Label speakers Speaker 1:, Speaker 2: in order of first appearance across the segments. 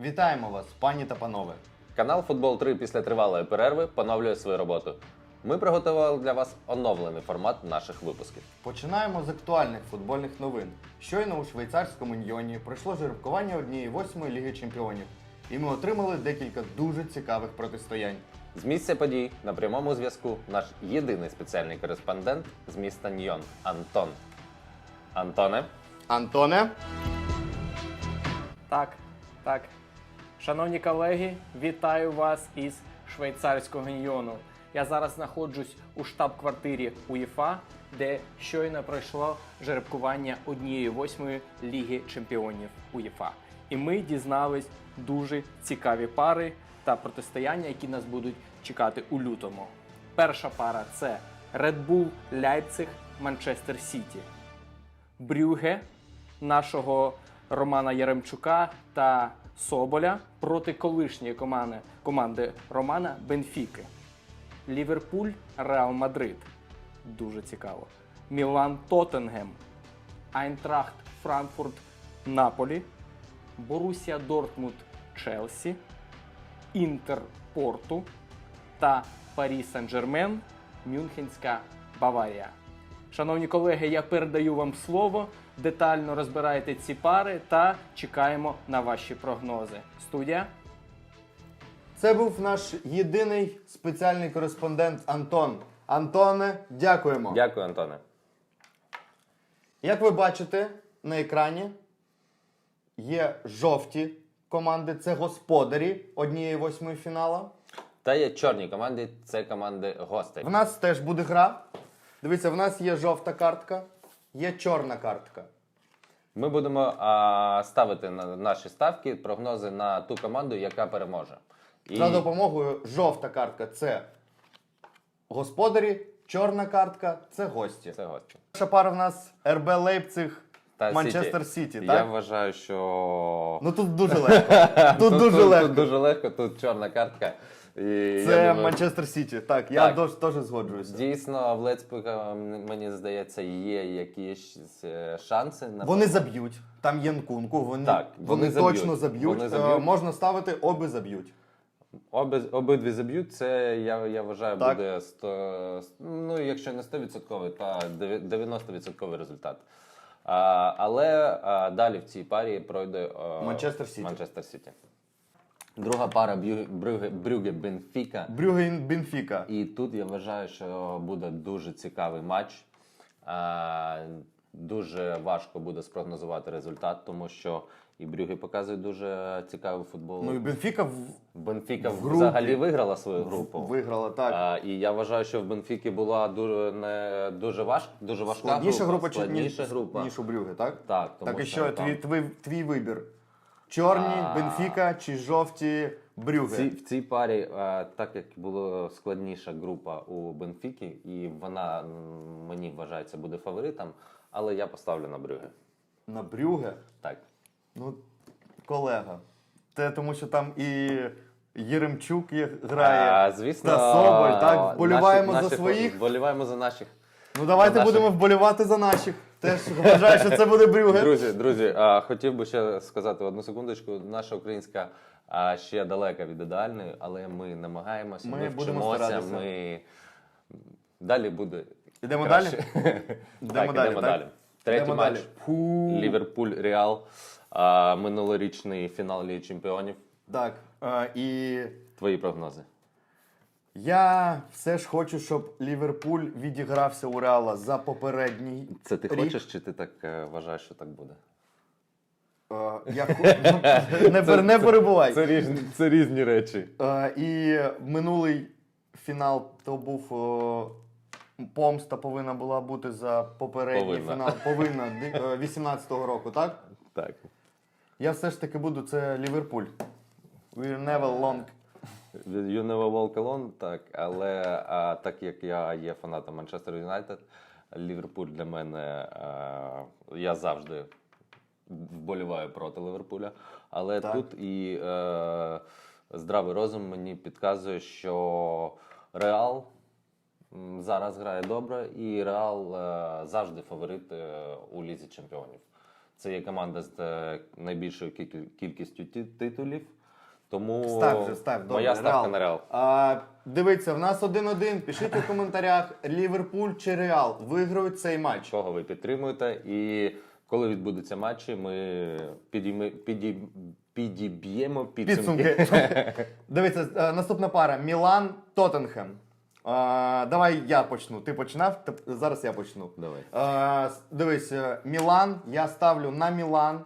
Speaker 1: Вітаємо вас, пані та панове!
Speaker 2: Канал Футбол 3 після тривалої перерви поновлює свою роботу. Ми приготували для вас оновлений формат наших випусків.
Speaker 1: Починаємо з актуальних футбольних новин. Щойно у швейцарському Ньйоні пройшло жеребкування 1/8 Ліги Чемпіонів. І ми отримали декілька дуже цікавих протистоянь.
Speaker 2: З місця подій на прямому зв'язку наш єдиний спеціальний кореспондент з міста Ньйон – Антон. Антоне?
Speaker 1: Антоне?
Speaker 3: Так. Шановні колеги, вітаю вас із швейцарського Ньйону. Я зараз знаходжусь у штаб-квартирі УЄФА, де щойно пройшло жеребкування 1/8 Ліги Чемпіонів УЄФА. І ми дізнались дуже цікаві пари та протистояння, які нас будуть чекати у лютому. Перша пара – це Red Bull Leipzig Манчестер Сіті. Брюгге нашого Романа Яремчука та Соболя проти колишньої команди Романа Бенфіки. Ліверпуль Реал Мадрид. Дуже цікаво. Мілан Тоттенгем. Айнтрахт Франкфурт Наполі. Борусія Дортмунд Челсі. Інтер Порту та Парі Сен-Жермен Мюнхенська Баварія. Шановні колеги, я передаю вам слово. Детально розбирайте ці пари та чекаємо на ваші прогнози. Студія.
Speaker 1: Це був наш єдиний спеціальний кореспондент Антон. Антоне, дякуємо.
Speaker 2: Дякую, Антоне.
Speaker 1: Як ви бачите на екрані, є жовті команди, це господарі 1/8 фіналу.
Speaker 2: Та є чорні команди, це команди гостей.
Speaker 1: В нас теж буде гра. Дивіться, в нас є жовта картка, є чорна картка.
Speaker 2: Ми будемо ставити на наші ставки прогнози на ту команду, яка переможе.
Speaker 1: За допомогою жовта картка – це господарі, чорна картка – це гості.
Speaker 2: Це гості.
Speaker 1: Перша пара в нас РБ Лейпциг,
Speaker 2: Та
Speaker 1: Манчестер Сіті, так?
Speaker 2: Я вважаю, що...
Speaker 1: Ну тут дуже легко. Тут дуже легко.
Speaker 2: Тут дуже легко, тут чорна картка. І
Speaker 1: Це
Speaker 2: я думаю,
Speaker 1: Манчестер Сіті, так, я
Speaker 2: Так.
Speaker 1: теж згоджуюся.
Speaker 2: дійсно, в Лейпцига, мені здається, є якісь шанси.
Speaker 1: Вони заб'ють, там є Нкунку, вони
Speaker 2: вони
Speaker 1: точно
Speaker 2: заб'ють.
Speaker 1: заб'ють.
Speaker 2: Вони заб'ють.
Speaker 1: Можна ставити, обі заб'ють.
Speaker 2: Обидві заб'ють, це, я вважаю,
Speaker 1: Так.
Speaker 2: буде, ну, якщо не 100%, то 90% результат. Але далі в цій парі пройде
Speaker 1: Манчестер Сіті.
Speaker 2: Друга пара Брюгге-Бенфіка.
Speaker 1: Брюгге-Бенфіка.
Speaker 2: І тут я вважаю, що буде дуже цікавий матч. Дуже важко буде спрогнозувати результат, тому що і Брюгге показує дуже цікавий футбол.
Speaker 1: Ну і Бенфіка
Speaker 2: Бенфіка
Speaker 1: в групі
Speaker 2: взагалі виграла свою групу.
Speaker 1: виграла, так.
Speaker 2: І я вважаю, що в Бенфіки була дуже важка
Speaker 1: Складніша група,
Speaker 2: складніша група.
Speaker 1: ніж у Брюгге, так?
Speaker 2: Так, тому
Speaker 1: Так і
Speaker 2: що
Speaker 1: що,
Speaker 2: там...
Speaker 1: твій вибір? Чорні, Бенфіка чи жовті Брюгге?
Speaker 2: В цій парі, так як була складніша група у Бенфіки, і вона, мені вважається, буде фаворитом, але я поставлю на Брюгге.
Speaker 1: На Брюгге?
Speaker 2: Так.
Speaker 1: Ну, колега. Те, тому що там і Єремчук грає,
Speaker 2: Звісно,
Speaker 1: та Соболь, так? Вболіваємо за
Speaker 2: наших,
Speaker 1: своїх.
Speaker 2: вболіваємо за наших.
Speaker 1: Ну давайте
Speaker 2: наших.
Speaker 1: будемо вболівати за наших. Теж вважаю, що це буде Брюгге.
Speaker 2: Друзі, хотів би ще сказати одну секундочку. Наша українська ще далека від ідеальної, але ми намагаємося,
Speaker 1: Ми
Speaker 2: ми
Speaker 1: будемо
Speaker 2: вчимося,
Speaker 1: старатися.
Speaker 2: ми... Далі буде
Speaker 1: Ідемо
Speaker 2: краще.
Speaker 1: далі?
Speaker 2: Так, ідемо далі. Третій
Speaker 1: Ідемо
Speaker 2: матч.
Speaker 1: далі.
Speaker 2: Ліверпуль-Реал. Минулорічний фінал Ліги Чемпіонів.
Speaker 1: Так, і
Speaker 2: Твої прогнози.
Speaker 1: я все ж хочу, щоб Ліверпуль відігрався у Реала за попередній
Speaker 2: Це ти
Speaker 1: рік.
Speaker 2: хочеш, чи ти так вважаєш, що так буде?
Speaker 1: Не перебувай.
Speaker 2: Це різні речі.
Speaker 1: І минулий фінал то був помста повинна була бути за попередній фінал. Повинна 18-го року, так?
Speaker 2: Так.
Speaker 1: Я все ж таки буду, це Ліверпуль. We're never long.
Speaker 2: You never walk alone, так. Але так як я є фанатом Манчестер Юнайтед, Ліверпуль для мене, я завжди вболіваю проти Ліверпуля. Але
Speaker 1: Так.
Speaker 2: тут і здравий розум мені підказує, що Реал зараз грає добре, і Реал завжди фаворит у Лізі Чемпіонів. це є команда з найбільшою кількістю титулів. Тому
Speaker 1: Став, добре.
Speaker 2: моя ставка на Реал.
Speaker 1: Дивіться, в нас 1-1. Пишіть у коментарях, Ліверпуль чи Реал виграють цей матч.
Speaker 2: Кого ви підтримуєте. І коли відбудуться матчі, ми підіб'ємо підсумки.
Speaker 1: Дивіться, наступна пара. Мілан-Тоттенхем. Давай я почну. Ти починав, зараз я почну.
Speaker 2: Давай.
Speaker 1: Дивись, Мілан, я ставлю на Мілан.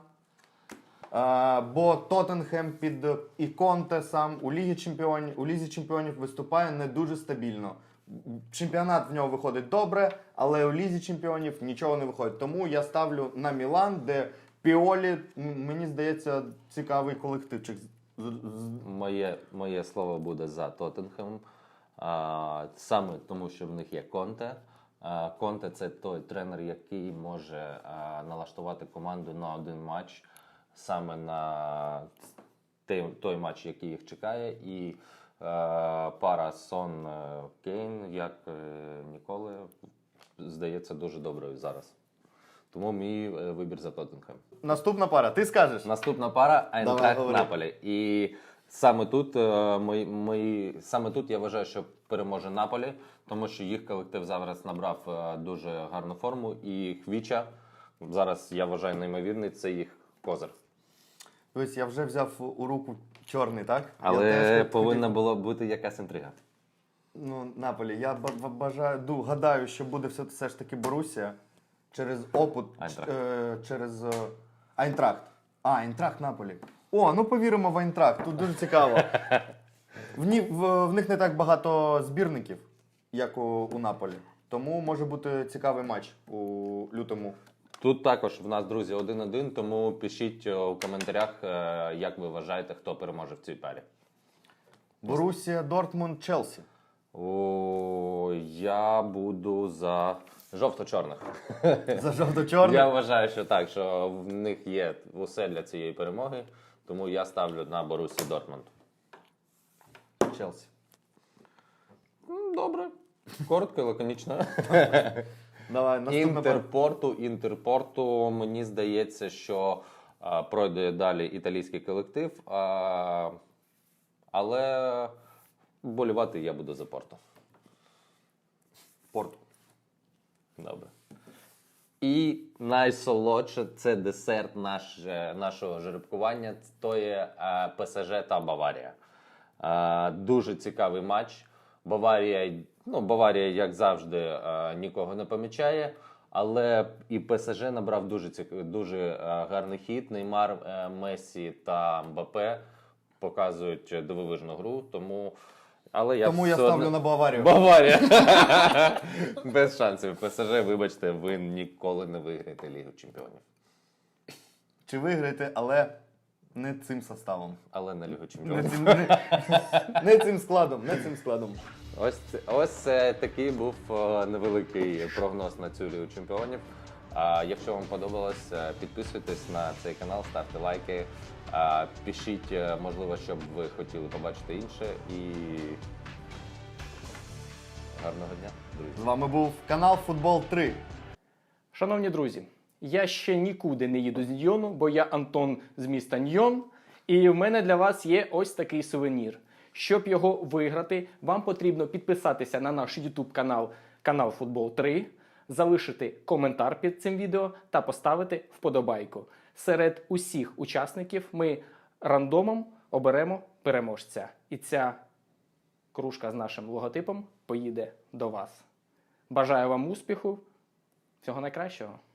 Speaker 1: Бо Тоттенхем під і Конте сам у Лізі Чемпіонів виступає не дуже стабільно. Чемпіонат в нього виходить добре, але у Лізі Чемпіонів нічого не виходить. Тому я ставлю на Мілан, де Піолі, мені здається, цікавий колективчик.
Speaker 2: Моє слово буде за Тоттенхем. Саме тому, що в них є Конте. Конте – це той тренер, який може налаштувати команду на один матч, саме на той матч, який їх чекає. І пара Сон-Кейн, як ніколи, здається дуже доброю зараз. Тому мій вибір за Тоттенхем.
Speaker 1: Наступна пара, ти скажеш?
Speaker 2: Наступна пара Айнтрахт-Наполі. І саме тут я вважаю, що переможе Наполі, тому що їх колектив зараз набрав дуже гарну форму. І Хвіча, зараз я вважаю неймовірний, це їх козир.
Speaker 1: Ось я вже взяв у руку чорний, так?
Speaker 2: Але повинна була бути якась інтрига.
Speaker 1: Ну, Наполі, я гадаю, що буде все ж таки Борусія через опит, через Айнтрахт. Айнтрахт Наполі. Ну повіримо в Айнтрахт, тут дуже цікаво. В них не так багато збірників, як у Наполі. Тому може бути цікавий матч у лютому.
Speaker 2: Тут також в нас, друзі, 1-1, тому пишіть у коментарях, як ви вважаєте, хто переможе в цій парі.
Speaker 1: Борусія, Дортмунд, Челсі.
Speaker 2: Я буду за жовто-чорних.
Speaker 1: За жовто-чорних?
Speaker 2: Я вважаю, що так, що в них є усе для цієї перемоги, тому я ставлю на Борусію Дортмунд.
Speaker 1: Челсі.
Speaker 2: Добре. Коротко і лаконічно.
Speaker 1: Давай, наступна
Speaker 2: Інтерпорту, мені здається, що пройде далі італійський колектив, але вболівати я буду за Порту.
Speaker 1: Порту.
Speaker 2: Добре. І найсолодше – це десерт нашого жеребкування, то є ПСЖ та Баварія. Дуже цікавий матч. Баварія, як завжди, нікого не помічає, але і ПСЖ набрав дуже гарний хід. Неймар, Месі та Мбаппе показують дивовижну гру, тому я
Speaker 1: ставлю на Баварію.
Speaker 2: Баварія! Без шансів. ПСЖ, вибачте, ви ніколи не виграєте Лігу Чемпіонів.
Speaker 1: Чи виграєте, але не цим составом.
Speaker 2: Але на Лігу Чемпіонів.
Speaker 1: Не цим складом.
Speaker 2: Ось такий був невеликий прогноз на цю Лігу Чемпіонів. Якщо вам подобалось, підписуйтесь на цей канал, ставте лайки, пишіть, можливо, що б ви хотіли побачити інше. І гарного дня, друзі.
Speaker 1: З вами був канал Футбол 3.
Speaker 3: Шановні друзі, я ще нікуди не їду з Ньйону, бо я Антон з міста Ньйон. І в мене для вас є ось такий сувенір. Щоб його виграти, вам потрібно підписатися на наш YouTube канал Футбол 3, залишити коментар під цим відео та поставити вподобайку. Серед усіх учасників ми рандомом оберемо переможця. І ця кружка з нашим логотипом поїде до вас. Бажаю вам успіху, всього найкращого!